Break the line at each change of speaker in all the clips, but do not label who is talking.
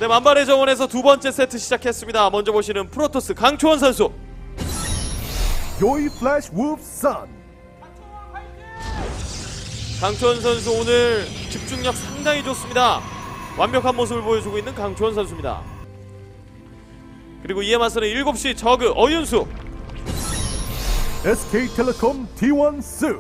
네, 만발의 정원에서 두 번째 세트 시작했습니다. 먼저 보시는 프로토스 강초원 선수.
Joy Flash Wolf Sun.
강초원 선수 오늘 집중력 상당히 좋습니다. 완벽한 모습을 보여주고 있는 강초원 선수입니다. 그리고 이에 맞서는 7시 저그 어윤수.
SK텔레콤 T1 Su.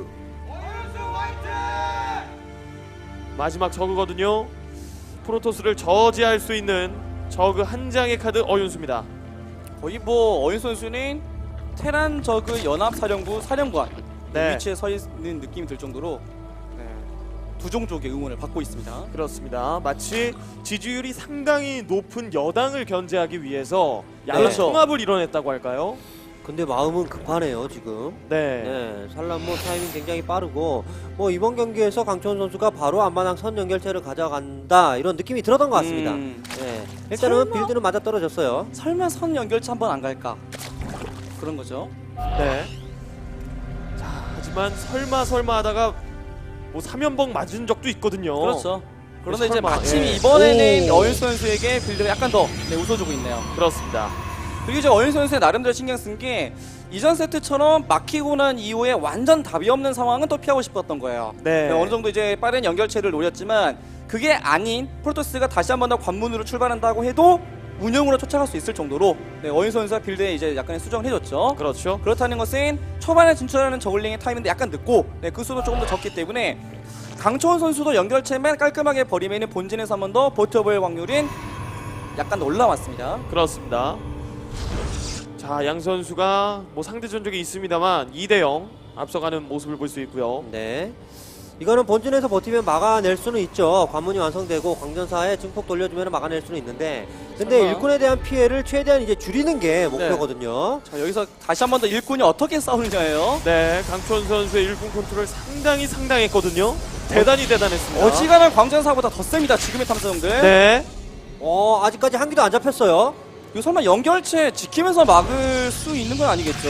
마지막 저그거든요. 프로토스를 저지할 수 있는 저그 한 장의 카드 어윤수입니다.
거의 뭐 어윤 선수는 테란 저그 연합사령부 사령관
네.
위치에 서 있는 느낌이 들 정도로 두 종족의 응원을 받고 있습니다.
그렇습니다. 마치 지지율이 상당히 높은 여당을 견제하기 위해서 양의
그렇죠.
통합을 이뤄냈다고 할까요?
근데 마음은 급하네요 지금.
네.
네, 살란모 타이밍 굉장히 빠르고 뭐 이번 경기에서 강초원 선수가 바로 앞마당 선 연결체를 가져간다 이런 느낌이 들었던 것 같습니다. 네, 일단은
설마?
빌드는 맞아 떨어졌어요.
설마 선 연결체 한번 안 갈까? 그런 거죠.
네. 자, 하지만 설마 하다가 뭐 3연봉 맞은 적도 있거든요.
그렇죠. 그런데 이제
설마,
마침
예.
이번에는
오.
어윤 선수에게 빌드가 약간 더 웃어주고 있네요.
그렇습니다.
그리고 이제 어윤 선수의 나름대로 신경 쓴 게 이전 세트처럼 막히고 난 이후에 완전 답이 없는 상황은 또 피하고 싶었던 거예요.
네.
어느 정도 이제 빠른 연결체를 노렸지만 그게 아닌 프로토스가 다시 한 번 더 관문으로 출발한다고 해도 운영으로 쫓아갈 수 있을 정도로 어윤 선수가 빌드에 이제 약간의 수정을 해줬죠.
그렇죠.
그렇다는 것은 초반에 진출하는 저글링의 타이밍도 약간 늦고 그 수도 조금 더 적기 때문에 강초원 선수도 연결체만 깔끔하게 버리면 본진에서 한 번 더 버텨볼 확률은 약간 올라왔습니다.
그렇습니다. 자, 양 선수가 뭐 상대 전적이 있습니다만 2대0 앞서가는 모습을 볼 수 있고요.
네. 이거는 본진에서 버티면 막아낼 수는 있죠. 관문이 완성되고 광전사에 증폭 돌려주면 막아낼 수는 있는데 근데
설마.
일꾼에 대한 피해를 최대한 이제 줄이는 게 목표거든요.
자, 여기서 다시 한 번 더 일꾼이 어떻게 싸우느냐예요.
네, 강초원 선수의 일군 컨트롤 상당히 상당했거든요. 대단히 대단했습니다.
어지간한 광전사보다 더 셉니다. 지금의 탐사정들.
네.
아직까지 한 기도 안 잡혔어요.
이거 설마 연결체 지키면서 막을 수 있는 건 아니겠죠?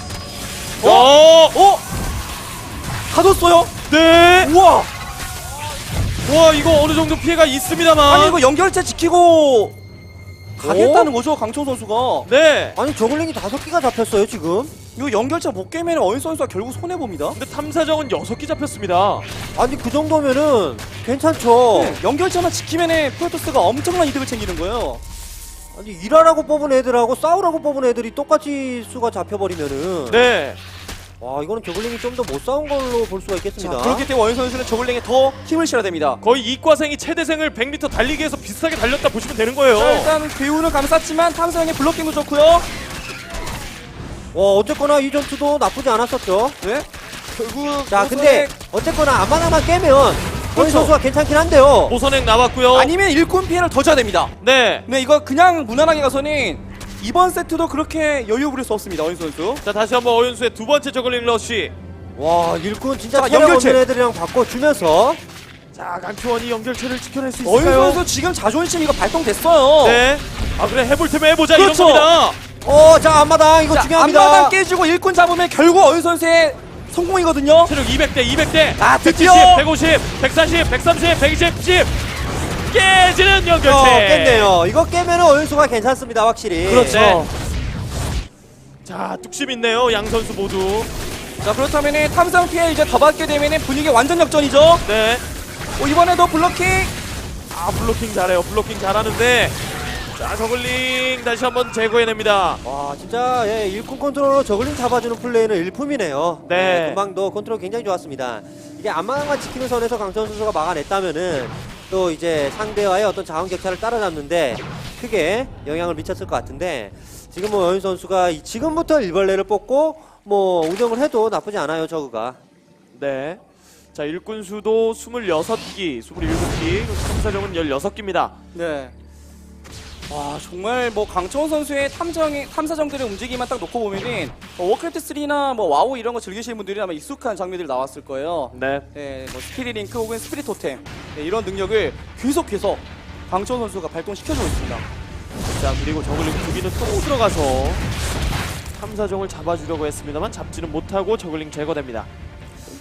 가뒀어요?
네.
우와!
와, 이거 어느 정도 피해가 있습니다만.
아니 이거 연결체 지키고 가겠다는 거죠, 강초원 선수가.
네.
아니 저글링이 5기가 잡혔어요 지금.
이거 연결체 못 깨면 어윤 선수가 결국 손해 봅니다.
근데 탐사정은 6개 잡혔습니다.
아니 그 정도면은 괜찮죠.
연결체만 지키면 프로토스가 엄청난 이득을 챙기는 거예요.
아니 일하라고 뽑은 애들하고 싸우라고 뽑은 애들이 똑같이 수가 잡혀버리면은
네.
와 이거는 저글링이 좀 더 못 싸운 걸로 볼 수가 있겠습니다.
그렇기 때문에 어윤 선수는 저글링에 더 힘을 실어야 됩니다.
거의 이과생이 최대생을 100m 달리기에서 비슷하게 달렸다 보시면 되는 거예요.
자, 일단 배우는 감쌌지만 탐사형의 블록킹도 좋고요.
어쨌거나 이 전투도 나쁘지 않았었죠.
네. 결국
자 근데 어쨌거나 앞마당만 깨면 어윤
그렇죠.
선수가 괜찮긴 한데요.
보선액 나왔고요.
아니면 일꾼 피해를 더 줘야 됩니다.
네.
네, 이거 그냥 무난하게 가서는 이번 세트도 그렇게 여유 부릴 수 없습니다. 어윤 선수.
자, 다시 한번 어윤수의 두 번째 저글링 러쉬.
와 일꾼 진짜
자,
체력
연결체.
없는 애들이랑 바꿔주면서
자, 강초원이 연결체를 지켜낼 수
어윤
있을까요?
선수 지금 자존심 이거 발동됐어요.
네. 아, 그래 해볼 테면 해보자
그렇죠.
이런 겁니다.
자 앞마당 이거
자,
중요합니다.
앞마당 깨지고 일꾼 잡으면 결국 어윤 선수의 성공이거든요.
체력 200대, 200대.
아, 드디어!
150, 140, 130, 120, 10. 깨지는 연결체.
깼네요. 이거 깨면은 어윤수가 괜찮습니다 확실히.
그렇죠.
네. 자, 뚝심 있네요 양 선수 모두.
자, 그렇다면은 탐상 피해 이제 더 받게 되면은 분위기 완전 역전이죠.
네.
이번에도 블로킹.
아, 블로킹 잘해요. 블로킹 잘하는데. 자, 저글링 다시 한번 제거해냅니다.
와 진짜 일꾼 컨트롤로 저글링 잡아주는 플레이는 일품이네요.
네.
금방도 컨트롤 굉장히 좋았습니다. 이게 앞마당만 지키는 선에서 강천 선수가 막아냈다면은 또 이제 상대와의 어떤 자원 격차를 따라잡는데 크게 영향을 미쳤을 것 같은데 지금 뭐 여윤 선수가 지금부터 일벌레를 뽑고 뭐 운영을 해도 나쁘지 않아요 저그가.
네. 자, 일꾼 수도 26기, 27기, 탐사정은 16기입니다.
네. 와, 정말 뭐 강초원 선수의 탐사정들의 움직임만 딱 놓고 보면은 워크래프트 3나 뭐 와우 이런 거 즐기시는 분들이 아마 익숙한 장면들이 나왔을 거예요.
네.
네, 뭐 스피릿 링크 혹은 스피릿 토템 이런 능력을 계속해서 강초원 선수가 발동시켜주고 있습니다.
자, 그리고 저글링 2기는 또 들어가서 탐사정을 잡아주려고 했습니다만 잡지는 못하고 저글링 제거됩니다.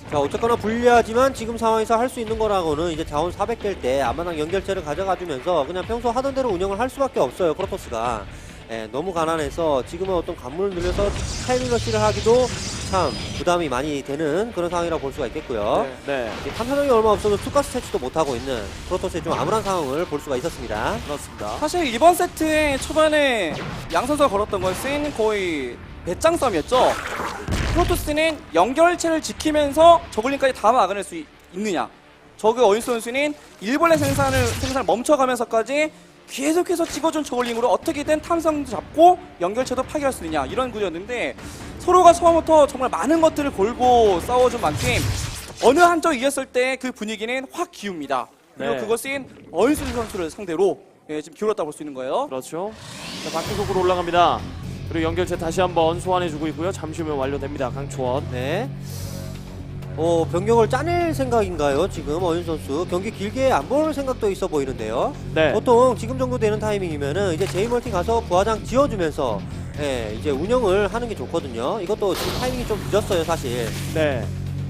자, 어쨌거나 불리하지만 지금 상황에서 할 수 있는 거라고는 이제 자원 400 될 때 앞마당 연결체를 가져가주면서 그냥 평소 하던 대로 운영을 할 수밖에 없어요, 프로토스가. 예, 너무 가난해서 지금은 어떤 관문을 늘려서 타이밍 러시를 하기도 참 부담이 많이 되는 그런 상황이라고 볼 수가 있겠고요.
네,
탐사정이 얼마 없어도 투가스 채취도 못하고 있는 프로토스의 좀 암울한 상황을 볼 수가 있었습니다.
그렇습니다.
사실 이번 세트의 초반에 양 선수가 걸었던 것은 거의 배짱 싸움이었죠. 프로토스는 연결체를 지키면서 저글링까지 다 막아낼 수 있느냐, 저그 어윤수 선수는 일벌레 생산을 멈춰가면서까지 계속해서 찍어준 저글링으로 어떻게든 탐성도 잡고 연결체도 파괴할 수 있느냐, 이런 구조였는데 서로가 처음부터 정말 많은 것들을 걸고 싸워준 만큼 어느 한쪽 이겼을 때 그 분위기는 확 기웁니다. 그리고
네.
그것은 어윤수 선수를 상대로 지금 기울었다 볼 수 있는 거예요.
그렇죠. 자, 바퀴 속으로 올라갑니다. 그리고 연결체 다시 한번 소환해주고 있고요. 잠시 후면 완료됩니다. 강초원.
네. 병력을 짜낼 생각인가요? 지금 어윤 선수 경기 길게 안 볼 생각도 있어 보이는데요.
네.
보통 지금 정도 되는 타이밍이면은 이제 제이멀티 가서 부하장 지어주면서 이제 운영을 하는 게 좋거든요. 이것도 지금 타이밍이 좀 늦었어요, 사실.
네.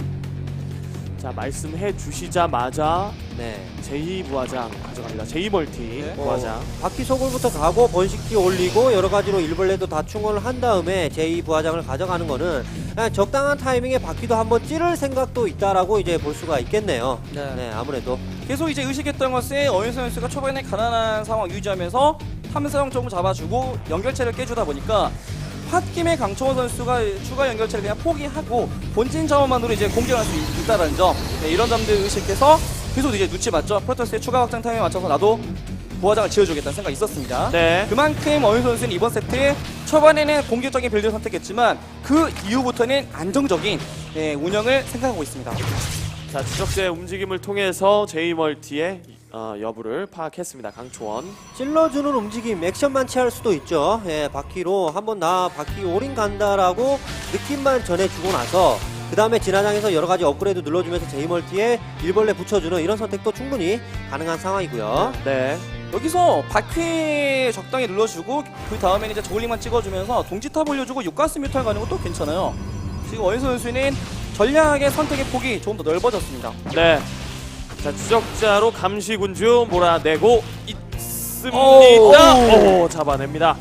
자, 말씀해 주시자마자
네.
제2부하장 가져갑니다. 제2멀티
네.
부하장.
바퀴 소굴부터 가고 번식기 올리고 여러 가지로 일벌레도 다 충원을 한 다음에 제2부하장을 가져가는 거는 그냥 적당한 타이밍에 바퀴도 한번 찌를 생각도 있다라고 이제 볼 수가 있겠네요.
네.
아무래도.
계속 이제 의식했던 것은 어윤수 선수가 초반에 가난한 상황 유지하면서 탐사형 조금 잡아주고 연결체를 깨주다 보니까 홧김에 강초원 선수가 추가 연결체를 그냥 포기하고 본진 자원만으로 이제 공격할 수 있다는 점, 이런 점들 의식해서 계속 이제 눈치 봤죠. 프로토스의 추가 확장 타임에 맞춰서 나도 부하장을 지어주겠다는 생각이 있었습니다.
네.
그만큼 어윤수 선수는 이번 세트 초반에는 공격적인 빌드를 선택했지만 그 이후부터는 안정적인 운영을 생각하고 있습니다.
자, 추적자의 움직임을 통해서 제2멀티의 여부를 파악했습니다. 강초원.
찔러주는 움직임, 액션만 취할 수도 있죠. 바퀴로 한번 나 바퀴 올인 간다라고 느낌만 전해주고 나서 그 다음에 진화장에서 여러 가지 업그레이드 눌러주면서 제이멀티에 일벌레 붙여주는 이런 선택도 충분히 가능한 상황이고요.
네.
여기서 바퀴 적당히 눌러주고 그 다음에는 이제 저글링만 찍어주면서 동지탑 올려주고 육가스 뮤탈 가는 것도 괜찮아요. 지금 어윤수 선수는 전략의 선택의 폭이 조금 더 넓어졌습니다.
네. 자, 추적자로 감시군주 몰아내고 있습니다. 오, 잡아냅니다.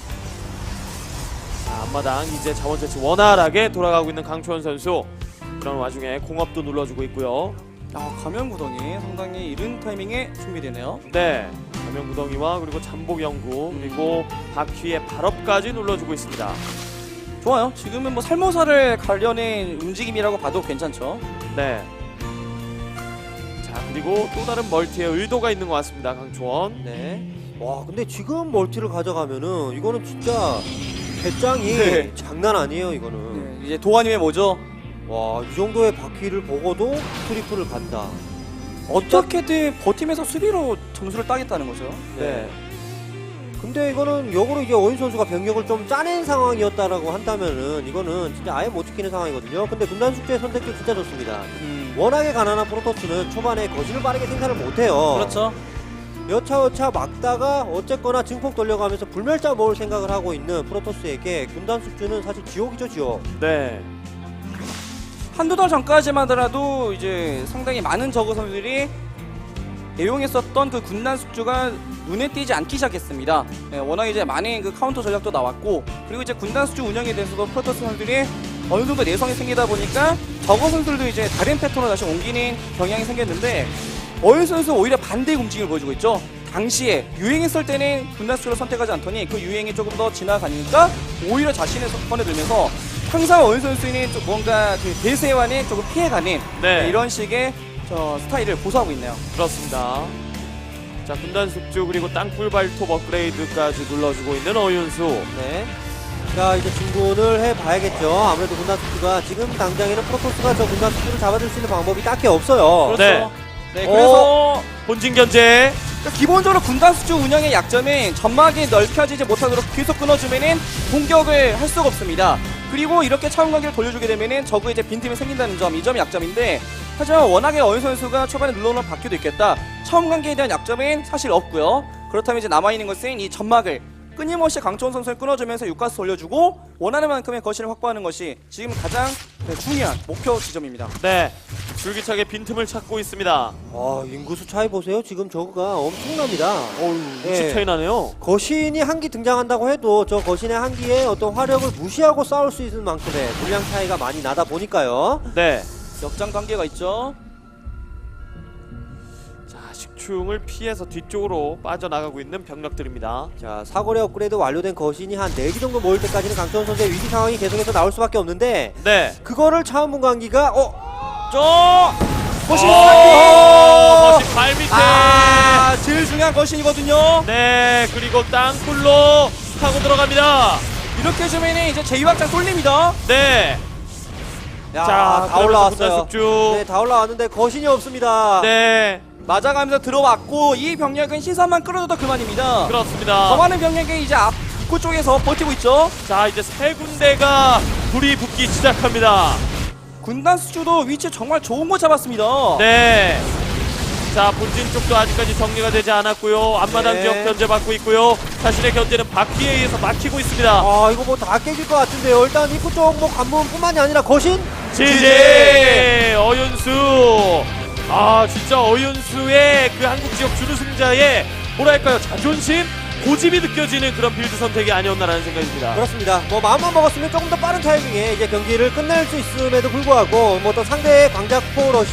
자, 앞마당 이제 자원 채취 원활하게 돌아가고 있는 강초원 선수. 그런 와중에 공업도 눌러주고 있고요.
가면 구덩이 상당히 이른 타이밍에 준비되네요.
네. 가면 구덩이와 그리고 잠복 연구 그리고 바퀴의 발업까지 눌러주고 있습니다.
좋아요. 지금은 뭐 살모사를 가려낸 움직임이라고 봐도 괜찮죠.
네. 자, 그리고 또 다른 멀티의 의도가 있는 것 같습니다. 강초원.
네. 와, 근데 지금 멀티를 가져가면은 이거는 진짜 배짱이
네.
장난 아니에요, 이거는.
이제 도안님의 뭐죠?
와, 이 정도의 바퀴를 보고도 트리플을 간다.
어떻게든 버티면서 수비로 점수를 따겠다는 거죠.
네.
근데 이거는 역으로 이제 어윤 선수가 병력을 좀 짜낸 상황이었다라고 한다면은 이거는 진짜 아예 못 지키는 상황이거든요. 근데 군단 숙제의 선택도 진짜 좋습니다. 워낙에 가난한 프로토스는 초반에 거지를 빠르게 생산을 못해요.
그렇죠.
여차여차 막다가 어쨌거나 증폭 돌려가면서 불멸자 모을 생각을 하고 있는 프로토스에게 군단 숙주는 사실 지옥이죠, 지옥.
네.
한두 달 전까지만 하더라도 이제 상당히 많은 저그 선수들이 애용했었던 그 군단 숙주가 눈에 띄지 않기 시작했습니다. 워낙 이제 많은 그 카운터 전략도 나왔고, 그리고 이제 군단 숙주 운영에 대해서도 프로토스 선수들이 어느 정도 내성이 생기다 보니까 저그 선수들도 이제 다른 패턴으로 다시 옮기는 경향이 생겼는데, 어윤 선수 오히려 반대의 움직임을 보여주고 있죠. 당시에 유행했을 때는 군단 숙주를 선택하지 않더니 그 유행이 조금 더 지나가니까 오히려 자신의 선에 들면서 항상 어윤 선수는 좀 뭔가 그 대세와는 조금 피해가는
네.
이런 식의 스타일을 고수하고 있네요.
그렇습니다. 자, 군단 숙주 그리고 땅굴 발톱 업그레이드까지 눌러주고 있는 어윤수.
네. 자, 이제 진군을 해봐야겠죠. 아무래도 군단 숙주가 지금 당장에는 프로토스가 저 군단 숙주를 잡아줄 수 있는 방법이 딱히 없어요.
네.
네, 그래서
본진 견제.
기본적으로 군단 수주 운영의 약점은 점막이 넓혀지지 못하도록 계속 끊어주면은 공격을 할 수가 없습니다. 그리고 이렇게 차원 관계를 돌려주게 되면은 적의 이제 빈틈이 생긴다는 점, 이 점이 약점인데, 하지만 워낙에 어윤 선수가 초반에 눌러놓은 바퀴도 있겠다. 차원 관계에 대한 약점은 사실 없고요. 그렇다면 이제 남아있는 것은 이 점막을 끊임없이 강초원 선수를 끊어주면서 육가스 돌려주고 원하는 만큼의 거신을 확보하는 것이 지금 가장 중요한 목표 지점입니다.
네, 줄기차게 빈틈을 찾고 있습니다.
인구수 차이 보세요. 지금 저거가 엄청납니다.
어우, 60 차이 나네요.
거신이 한 기 등장한다고 해도 저 거신의 한 기의 어떤 화력을 무시하고 싸울 수 있는 만큼의 분량 차이가 많이 나다 보니까요.
네.
역장 관계가 있죠.
자, 식충을 피해서 뒤쪽으로 빠져나가고 있는 병력들입니다.
자, 사거리 업그레이드 완료된 거신이 한 4기 정도 모일 때까지는 강초원 선수의 위기 상황이 계속해서 나올 수밖에 없는데
네.
그거를 차원문 관기가
거신
거신 발 밑에.
제일 중요한 거신이거든요.
네, 그리고 땅굴로 타고 들어갑니다.
이렇게 해주면 이제 제2확장 쏠립니다.
네.
자, 다
그러면서
올라왔어요.
분단숙주.
네, 다 올라왔는데 거신이 없습니다.
네,
맞아가면서 들어왔고 이 병력은 시선만 끌어줘도 그만입니다.
그렇습니다.
더 많은 병력이 이제 앞 입구 쪽에서 버티고 있죠.
자, 이제 세 군데가 불이 붙기 시작합니다.
군단 수주도 위치 정말 좋은 거 잡았습니다.
네. 자, 본진 쪽도 아직까지 정리가 되지 않았고요. 앞마당
네.
지역 견제받고 있고요. 자신의 견제는 바퀴에 의해서 막히고 있습니다.
이거 뭐 다 깨질 것 같은데요. 일단 입구 쪽 뭐 관문뿐만이 아니라 거신?
지지 어윤수. 진짜 어윤수의 그 한국 지역 준우승자의 뭐랄까요, 자존심, 고집이 느껴지는 그런 빌드 선택이 아니었나라는 생각입니다.
그렇습니다. 뭐 마음만 먹었으면 조금 더 빠른 타이밍에 이제 경기를 끝낼 수 있음에도 불구하고 뭐 또 상대의 광자포 러시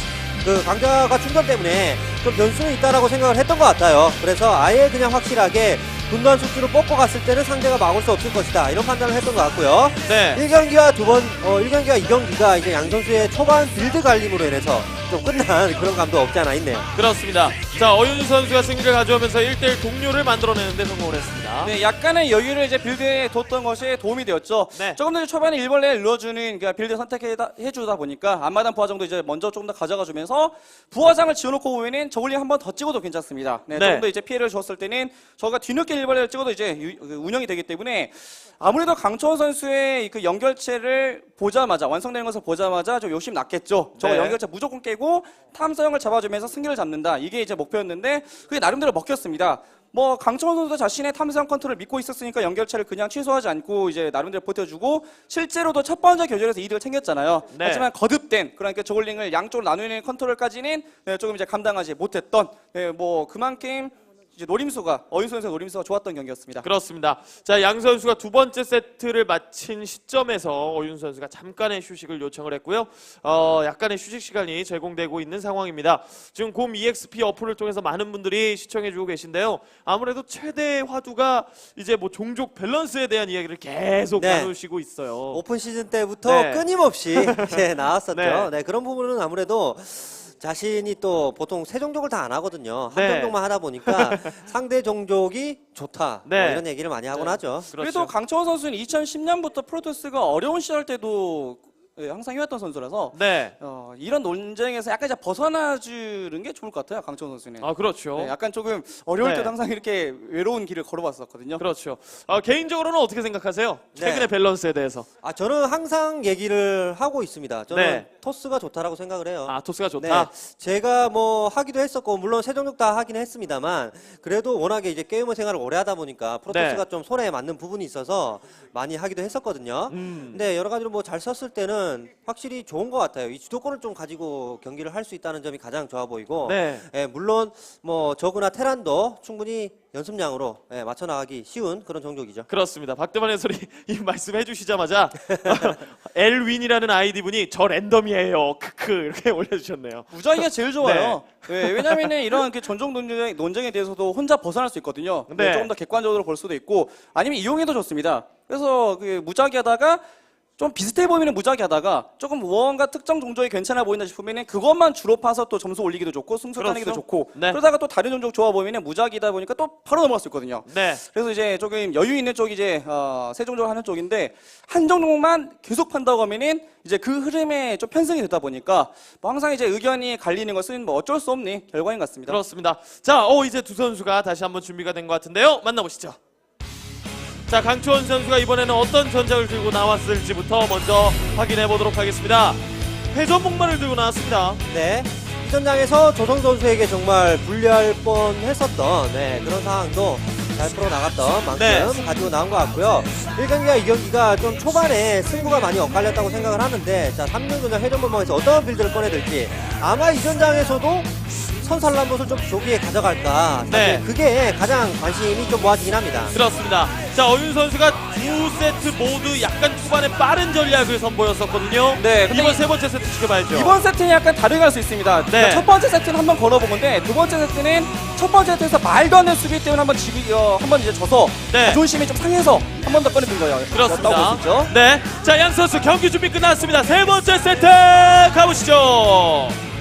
강자가 충전 때문에 좀 변수는 있다라고 생각을 했던 것 같아요. 그래서 아예 그냥 확실하게 분단 숙주를 뽑고 갔을 때는 상대가 막을 수 없을 것이다, 이런 판단을 했던 것 같고요.
네.
1경기와 1경기와 2경기가 이제 양 선수의 초반 빌드 갈림으로 인해서 좀 끝난 그런 감도 없지 않아 있네요.
그렇습니다. 자, 어윤수 선수가 승리를 가져오면서 1대1 동료를 만들어내는데 성공을 했습니다.
네, 약간의 여유를 이제 빌드에 뒀던 것이 도움이 되었죠.
네.
조금 더 초반에 일벌레를 눌러주는 그 빌드 선택해주다 보니까 앞마당 부하장도 이제 먼저 조금 더 가져가주면서 부하장을 지어놓고 보면은 저글링 한 번 더 찍어도 괜찮습니다. 네,
네.
조금 더 이제 피해를 줬을 때는 저가 뒤늦게 일벌레를 찍어도 이제 운영이 되기 때문에 아무래도 강초원 선수의 그 연결체를 보자마자, 완성되는 것을 보자마자 좀 욕심 났겠죠. 저거
네.
연결체 무조건 깨고 탐사형을 잡아주면서 승리를 잡는다, 이게 이제 목표였는데 그게 나름대로 먹혔습니다. 뭐 강초원 선수도 자신의 탐사형 컨트롤을 믿고 있었으니까 연결체를 그냥 취소하지 않고 이제 나름대로 버텨주고 실제로도 첫 번째 교전에서 이득을 챙겼잖아요.
네.
하지만 거듭된, 그러니까 저글링을 양쪽으로 나누는 컨트롤까지는 조금 이제 감당하지 못했던, 뭐 그만큼 이제 노림수가, 어윤수 선수의 노림수가 좋았던 경기였습니다.
그렇습니다. 자, 양 선수가 두 번째 세트를 마친 시점에서 어윤수 선수가 잠깐의 휴식을 요청을 했고요. 약간의 휴식 시간이 제공되고 있는 상황입니다. 지금 곰 EXP 어플을 통해서 많은 분들이 시청해주고 계신데요. 아무래도 최대 화두가 이제 뭐 종족 밸런스에 대한 이야기를 계속
네.
나누시고 있어요.
오픈 시즌 때부터
네.
끊임없이 이제 나왔었죠.
네.
네, 그런 부분은 아무래도 자신이 또 보통 세 종족을 다 안 하거든요. 한
네.
종족만 하다 보니까 상대 종족이 좋다,
네.
뭐 이런 얘기를 많이 하곤 하죠.
그래도 강초원 선수는 2010년부터 프로토스가 어려운 시절 때도 항상 해왔던 선수라서
네.
이런 논쟁에서 약간 이제 벗어나주는 게 좋을 것 같아요, 강초원 선수는.
그렇죠.
네, 약간 조금 어려울
네.
때도 항상 이렇게 외로운 길을 걸어봤었거든요.
그렇죠. 개인적으로는 어떻게 생각하세요? 최근의
네.
밸런스에 대해서.
저는 항상 얘기를 하고 있습니다. 저는
네.
토스가 좋다라고 생각을 해요.
토스가 좋다.
네, 제가 뭐 하기도 했었고 물론 세 종족 다 하긴 했습니다만 그래도 워낙에 이제 게이머 생활을 오래 하다 보니까 프로토스가
네.
좀 손에 맞는 부분이 있어서 많이 하기도 했었거든요. 근데 여러 가지로 뭐 잘 썼을 때는 확실히 좋은 것 같아요. 이 주도권을 좀 가지고 경기를 할 수 있다는 점이 가장 좋아 보이고,
네.
물론 뭐 저그나 테란도 충분히 연습량으로 맞춰 나가기 쉬운 그런 종족이죠.
그렇습니다. 박대만 해설이 이 말씀해 주시자마자 엘윈이라는 아이디 분이 저 랜덤이에요. 크크 이렇게 올려주셨네요.
무작위가 제일 좋아요. 네, 왜냐면은 이런 그 전종 논쟁에 대해서도 혼자 벗어날 수 있거든요.
네.
조금 더 객관적으로 볼 수도 있고 아니면 이용해도 좋습니다. 그래서 그 무작위하다가 좀 비슷해 보이는 무작위하다가 조금 무언가 특정 종족이 괜찮아 보인다 싶으면은 그것만 주로 파서 또 점수 올리기도 좋고 승수 따내기도
그렇죠.
좋고
네.
그러다가 또 다른 종족 좋아 보이면은 무작위다 보니까 또 바로 넘어갈 수 있거든요.
네.
그래서 이제 조금 여유 있는 쪽이 이제 세 종족을 하는 쪽인데 한 종족만 계속 판다고 하면은 이제 그 흐름에 좀 편승이 되다 보니까 뭐 항상 이제 의견이 갈리는 것은 뭐 어쩔 수 없는 결과인 것 같습니다.
그렇습니다. 자, 이제 두 선수가 다시 한번 준비가 된 것 같은데요. 만나보시죠. 자, 강초원 선수가 이번에는 어떤 전략을 들고 나왔을지부터 먼저 확인해 보도록 하겠습니다. 회전 목마를 들고 나왔습니다.
네. 이 전장에서 조성 선수에게 정말 불리할 뻔했었던 그런 상황도 잘 풀어나갔던 만큼
네.
가지고 나온 것 같고요. 1경기와 2경기가 좀 초반에 승부가 많이 엇갈렸다고 생각을 하는데, 자 3경기전 회전목마에서 어떤 빌드를 꺼내들지, 아마 이 전장에서도 선살람봇을 좀 조기에 가져갈까, 사실
네.
그게 가장 관심이 좀 모아지긴 합니다.
그렇습니다. 자, 어윤 선수가 두 세트 모두 약간 초반에 빠른 전략을 선보였었거든요.
네, 근데
이번 세 번째 세트 지켜봐야죠.
이번 세트는 약간 다르게 할 수 있습니다.
네.
그러니까 첫 번째 세트는 한번 걸어본 건데 두 번째 세트는 첫 번째 세트에서 말도 안 되는 수비 때문에 한번 이제 져서
네.
자존심이 좀 상해서 한 번 더 꺼내든 거예요.
그렇습니다.
였다고 볼수 있죠.
네. 자, 양 선수 경기 준비 끝났습니다. 세 번째 세트 가보시죠.